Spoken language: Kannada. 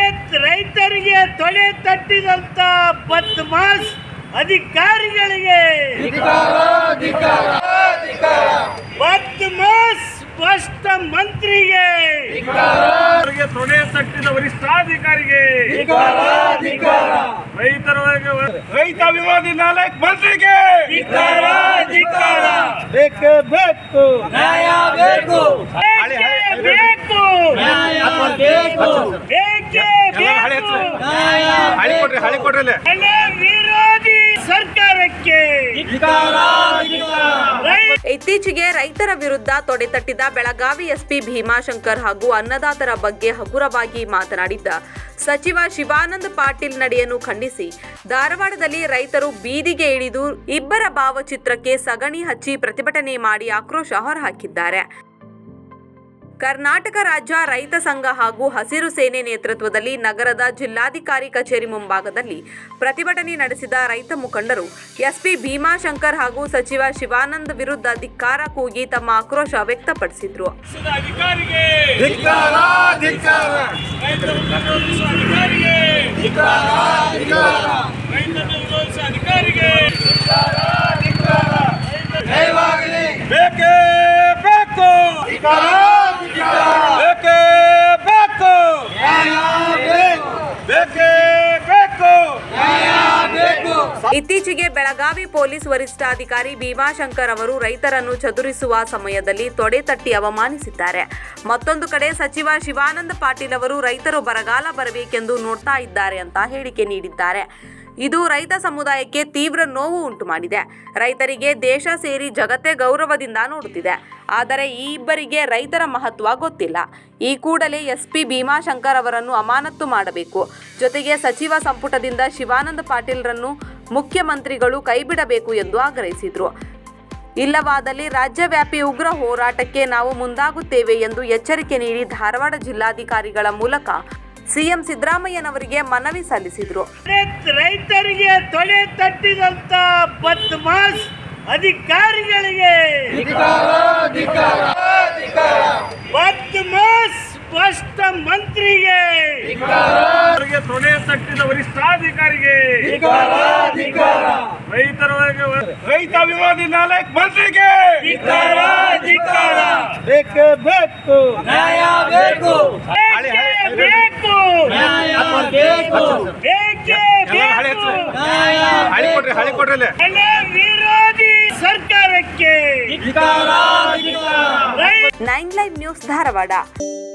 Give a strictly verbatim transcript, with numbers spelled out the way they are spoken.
ರೈತರಿಗೆ ತೊಡೆ ತಟ್ಟಿದಂತ ಬದ್ಮಾಸ್ ಅಧಿಕಾರಿಗಳಿಗೆ ಬದ್ಮಾಸ್ ಸ್ಪಷ್ಟ ಮಂತ್ರಿಗೆ ತೊಡೆ ತಟ್ಟಿದ ವರಿಷ್ಠಾಧಿಕಾರಿಗೆ ರೈತರ ರೈತ ವಿರೋಧಿ ನಾಲ್ಕು ಮಂತ್ರಿಗೆ ಬೇಕೇ ಬೇಕು ನ್ಯಾಯ ಬೇಕು ಬೇಕು ಬೇಕೇ ಬೇಕು ಬೆಳೆ ವಿರೋಧಿ ಸರ್ಕಾರಕ್ಕೆ ಇತ್ತೀಚೆಗೆ ರೈತರ ವಿರುದ್ಧ ತೊಡೆತಟ್ಟಿದ ಬೆಳಗಾವಿ ಎಸ್ಪಿ ಭೀಮಾಶಂಕರ್ ಹಾಗೂ ಅನ್ನದಾತರ ಬಗ್ಗೆ ಹಗುರವಾಗಿ ಮಾತನಾಡಿದ್ದ ಸಚಿವ ಶಿವಾನಂದ ಪಾಟೀಲ್ ನಡೆಯನ್ನು ಖಂಡಿಸಿ ಧಾರವಾಡದಲ್ಲಿ ರೈತರು ಬೀದಿಗೆ ಇಳಿದು ಇಬ್ಬರ ಭಾವಚಿತ್ರಕ್ಕೆ ಸಗಣಿ ಹಚ್ಚಿ ಪ್ರತಿಭಟನೆ ಮಾಡಿ ಆಕ್ರೋಶ ಹೊರಹಾಕಿದ್ದಾರೆ. ಕರ್ನಾಟಕ ರಾಜ್ಯ ರೈತ ಸಂಘ ಹಾಗೂ ಹಸಿರು ಸೇನೆ ನೇತೃತ್ವದಲ್ಲಿ ನಗರದ ಜಿಲ್ಲಾಧಿಕಾರಿ ಕಚೇರಿ ಮುಂಭಾಗದಲ್ಲಿ ಪ್ರತಿಭಟನೆ ನಡೆಸಿದ ರೈತ ಮುಖಂಡರು ಎಸ್ಪಿ ಭೀಮಾಶಂಕರ್ ಹಾಗೂ ಸಚಿವ ಶಿವಾನಂದ್ ವಿರುದ್ಧ ಧಿಕ್ಕಾರ ಕೂಗಿ ತಮ್ಮ ಆಕ್ರೋಶ ವ್ಯಕ್ತಪಡಿಸಿದರು. ಇತ್ತೀಚೆಗೆ ಬೆಳಗಾವಿ ಪೊಲೀಸ್ ವರಿಷ್ಠಾಧಿಕಾರಿ ಭೀಮಾಶಂಕರ್ ಅವರು ರೈತರನ್ನು ಚದುರಿಸುವ ಸಮಯದಲ್ಲಿ ತೊಡೆ ತಟ್ಟಿ ಅವಮಾನಿಸಿದ್ದಾರೆ. ಮತ್ತೊಂದು ಕಡೆ ಸಚಿವ ಶಿವಾನಂದ ಪಾಟೀಲ್ ಅವರು ರೈತರು ಬರಗಾಲ ಬರಬೇಕೆಂದು ನೋಡ್ತಾ ಇದ್ದಾರೆ ಅಂತ ಹೇಳಿಕೆ ನೀಡಿದ್ದಾರೆ. ಇದು ರೈತ ಸಮುದಾಯಕ್ಕೆ ತೀವ್ರ ನೋವು ಉಂಟು ಮಾಡಿದೆ. ರೈತರಿಗೆ ದೇಶ ಸೇರಿ ಜಗತ್ತೇ ಗೌರವದಿಂದ ನೋಡುತ್ತಿದೆ. ಆದರೆ ಈ ಇಬ್ಬರಿಗೆ ರೈತರ ಮಹತ್ವ ಗೊತ್ತಿಲ್ಲ. ಈ ಕೂಡಲೇ ಎಸ್ಪಿ ಭೀಮಾಶಂಕರ್ ಅವರನ್ನು ಅಮಾನತು ಮಾಡಬೇಕು. ಜೊತೆಗೆ ಸಚಿವ ಸಂಪುಟದಿಂದ ಶಿವಾನಂದ ಪಾಟೀಲ್ರನ್ನು ಮುಖ್ಯಮಂತ್ರಿಗಳು ಕೈಬಿಡಬೇಕು ಎಂದು ಆಗ್ರಹಿಸಿದರು. ಇಲ್ಲವಾದಲ್ಲಿ ರಾಜ್ಯವ್ಯಾಪಿ ಉಗ್ರ ಹೋರಾಟಕ್ಕೆ ನಾವು ಮುಂದಾಗುತ್ತೇವೆ ಎಂದು ಎಚ್ಚರಿಕೆ ನೀಡಿ ಧಾರವಾಡ ಜಿಲ್ಲಾಧಿಕಾರಿಗಳ ಮೂಲಕ ಸಿಎಂ ಸಿದ್ದರಾಮಯ್ಯನವರಿಗೆ ಮನವಿ ಸಲ್ಲಿಸಿದರು. ರೈತರಿಗೆ ತೊಡೆ ತಟ್ಟಿದಂತ ಬದ್ಮಾಸ್ ಅಧಿಕಾರಿಗಳಿಗೆ ಬದ್ಮಾಸ್ ಸ್ಪಷ್ಟ ಮಂತ್ರಿಗೆ ತೊಡೆ ತಟ್ಟಿದ ವರಿಷ್ಠಾಧಿಕಾರಿಗೆ ರೈತರ ರೈತ ವಿರೋಧಿ ನಾಲ್ಕು ಮಂತ್ರಿಗೆ ಬೇಕೇ ಬೇಕು ನ್ಯಾಯ ಬೇಕು ಬೇಕು ಬೇಕೇ ಬೇಕು ಬೆಳೆ ವಿರೋಧಿ ಸರ್ಕಾರಕ್ಕೆ ನೈನ್ ಲೈವ್ ನ್ಯೂಸ್ ಧಾರವಾಡ.